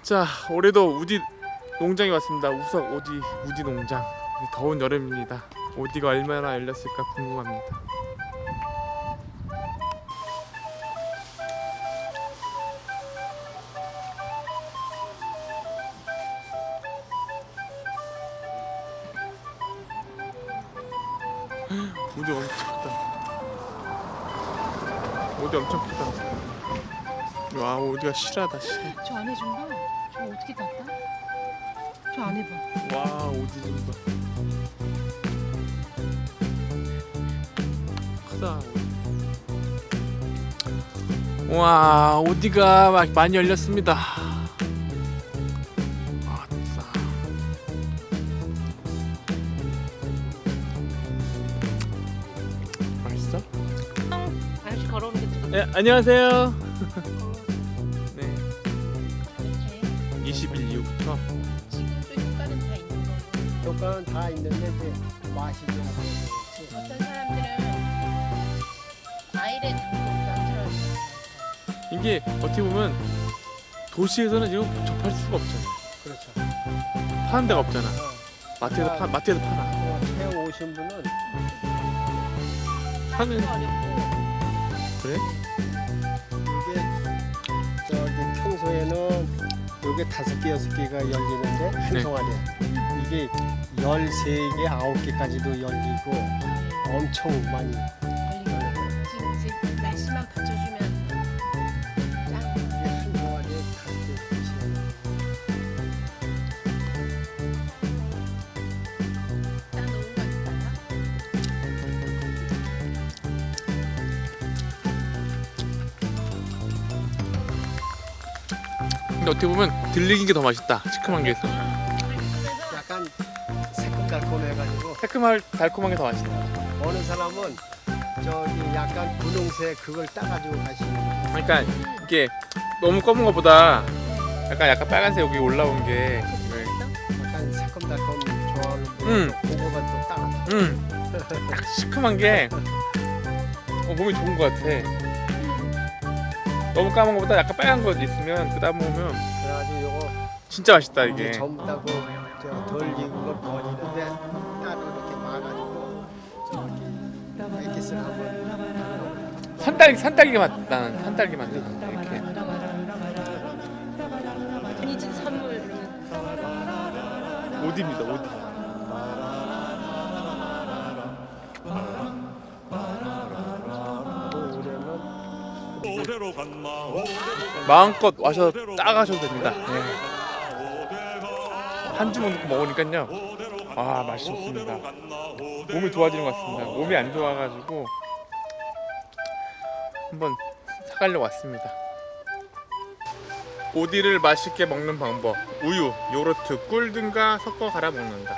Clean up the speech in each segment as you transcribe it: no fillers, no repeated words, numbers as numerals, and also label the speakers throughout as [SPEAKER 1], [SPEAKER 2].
[SPEAKER 1] 자, 올해도 우디 농장에 왔습니다. 우석 우디 농장. 더운 여름입니다. 우디가 얼마나 열렸을까 궁금합니다. 우디 엄청 크다. 우디 엄청 크다. 와, 우디가 실하다, 실.
[SPEAKER 2] 저 안에 좀 봐. 저 어떻게 땄다? 저 안에 봐.
[SPEAKER 1] 와, 우디 좀 봐. 크다. 와, 우디가 막 많이 열렸습니다. 아싸. 맛있어?
[SPEAKER 2] 아저씨 걸어오는 게 지금.
[SPEAKER 1] 네, 안녕하세요. 네,
[SPEAKER 2] 이렇게
[SPEAKER 1] 20일 이후부터.
[SPEAKER 2] 지금도 효과는 다 있는 거고.
[SPEAKER 3] 효과는 다 있는데 이제 맛이 좀
[SPEAKER 2] 어떤 사람들은 과일에 담고 부담스러워요.
[SPEAKER 1] 이게 어떻게 보면 도시에서는 지금 접할 수가 없잖아.
[SPEAKER 3] 그렇죠.
[SPEAKER 1] 파는 데가 없잖아. 마트에서 마트에서 파나.
[SPEAKER 3] 해 오신 분은
[SPEAKER 1] 파는
[SPEAKER 2] 어렵고.
[SPEAKER 1] 그래?
[SPEAKER 3] 이게 저기 평소에는 요게 5개, 6개가 열리는데 한
[SPEAKER 1] 네.
[SPEAKER 3] 송아리에 이게 13개, 9개까지도 열리고 엄청 많이 열려요.
[SPEAKER 2] 지금 날씨만 받쳐주면 짱.
[SPEAKER 3] 이게 한 송아리에 5개,
[SPEAKER 2] 딱 놓은 거 있다가.
[SPEAKER 1] 근데 어떻게 보면 들리긴 게 더 맛있다. 시큼한 게 있어.
[SPEAKER 3] 약간 새콤달콤해가지고
[SPEAKER 1] 달콤한 게 더 맛있다.
[SPEAKER 3] 어느 사람은 저기 약간 분홍색 그걸 따가지고 가시는 거예요.
[SPEAKER 1] 그러니까 이게 너무 검은 것보다 약간 빨간색 여기 올라온 게.
[SPEAKER 3] 약간 새콤달콤 좋아하는 분은 그거가 또 따가.
[SPEAKER 1] 딱 시큼한 게 몸에 좋은 것 같아. 너무 까만 것보다 약간 빨간 거 있으면 그다 먹으면
[SPEAKER 3] 그래가지고 요거
[SPEAKER 1] 진짜 맛있다
[SPEAKER 3] 이제
[SPEAKER 1] 이게.
[SPEAKER 3] 전부 다그 덜 익은 걸 버리는데 따로 이렇게 막아가지고 저렇게 액기스를 한번
[SPEAKER 1] 산딸기 맛 나는 산딸기 맛 나는 이렇게.
[SPEAKER 2] 아니지 선물.
[SPEAKER 1] 오디입니다 오디. 마음껏 와서 따가셔도 됩니다. 네. 한 주먹 넣고 먹으니까요. 아 맛이 좋습니다. 몸이 좋아지는 것 같습니다. 몸이 안 좋아가지고 한번 사가려고 왔습니다. 오디를 맛있게 먹는 방법: 우유, 요거트, 꿀 등과 섞어 갈아 먹는다.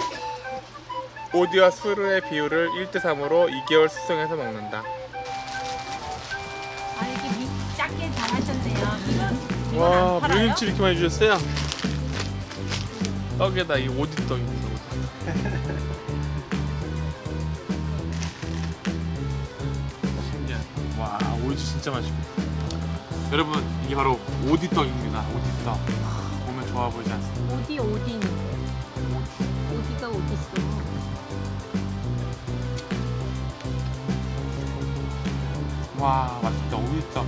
[SPEAKER 1] 오디와 수르의 비율을 1:3으로 2개월 숙성해서 먹는다.
[SPEAKER 2] 아 이게 작게 잘하셨네요. 이건
[SPEAKER 1] 와,
[SPEAKER 2] 안 팔아요?
[SPEAKER 1] 물김치 이렇게 많이 주셨어요? 떡에다 이 오디 떡입니다. 오디. 신기한. 와, 오디 진짜 맛있고. 여러분, 이게 바로 오디 떡입니다. 오디 떡. 보면 좋아 보이지 않습니까?
[SPEAKER 2] 어디니? 어디가 어디 있어?
[SPEAKER 1] 와, 맛있다. 오디 떡.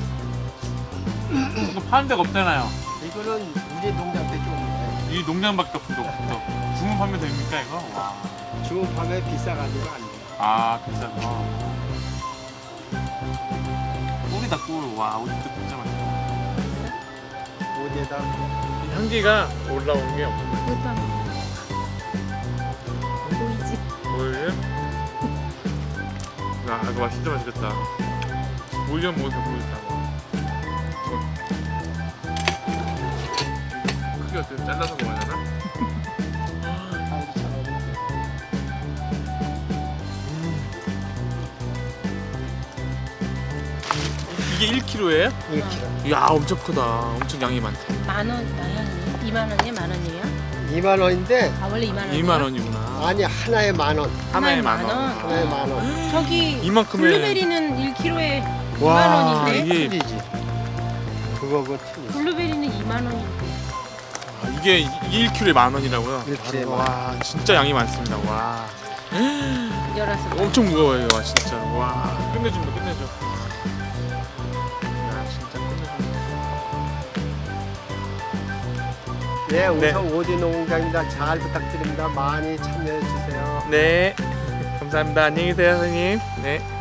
[SPEAKER 1] 이거 파는 데가 없잖아요.
[SPEAKER 3] 이거는 우리 농장밖에 없는데
[SPEAKER 1] 이 농장밖에 없어. 주문 판매 됩니까 이거? 와.
[SPEAKER 3] 주문판에 비싸가지고 안 돼.
[SPEAKER 1] 아, 비싸서. 꿀이다 꿀. 와, 오디 떡 진짜 맛있다.
[SPEAKER 3] 어디에다
[SPEAKER 1] 향기가 올라온 게 없는
[SPEAKER 2] 그것도 보이지?
[SPEAKER 1] 뭐예요? 아, 이거 진짜 맛있겠다. 오이랑 먹으니까 모르겠다. 크기 어때? 잘라서 먹어야 되나?
[SPEAKER 3] 아주 잘 어울리고.
[SPEAKER 1] 이게 1kg예요?
[SPEAKER 3] 1kg.
[SPEAKER 1] 이야, 엄청 크다. 엄청 양이 많다.
[SPEAKER 2] 만 원이요? 2만 원이요? 만 원이에요?
[SPEAKER 3] 2만 원인데
[SPEAKER 2] 아 원래 2만 원이요?
[SPEAKER 1] 2만 원이구나.
[SPEAKER 3] 아니 하나에 10,000원.
[SPEAKER 1] 하나에
[SPEAKER 2] 만
[SPEAKER 1] 10,000원.
[SPEAKER 2] 원?
[SPEAKER 3] 하나에 10,000원.
[SPEAKER 2] 저기
[SPEAKER 1] 이만큼에
[SPEAKER 2] 블루베리는 1kg에 2만
[SPEAKER 1] 와,
[SPEAKER 2] 원인데
[SPEAKER 1] 이게
[SPEAKER 3] 틀리지. 그거고 틀리지.
[SPEAKER 2] 블루베리는 2만 원인데
[SPEAKER 1] 이게 1kg에 10,000원이라고요?
[SPEAKER 3] 1kg 에
[SPEAKER 1] 와 진짜 양이 많습니다. 와
[SPEAKER 2] 열어서.
[SPEAKER 1] 엄청 무거워요. 와 진짜 와 끝내줍니다. 끝내줘. 야 진짜 끝내줍니다.
[SPEAKER 3] 예, 우선 오디 농장입니다. 잘 부탁드립니다. 많이 참여해 주세요.
[SPEAKER 1] 네 감사합니다. 안녕히 계세요 선생님. 네.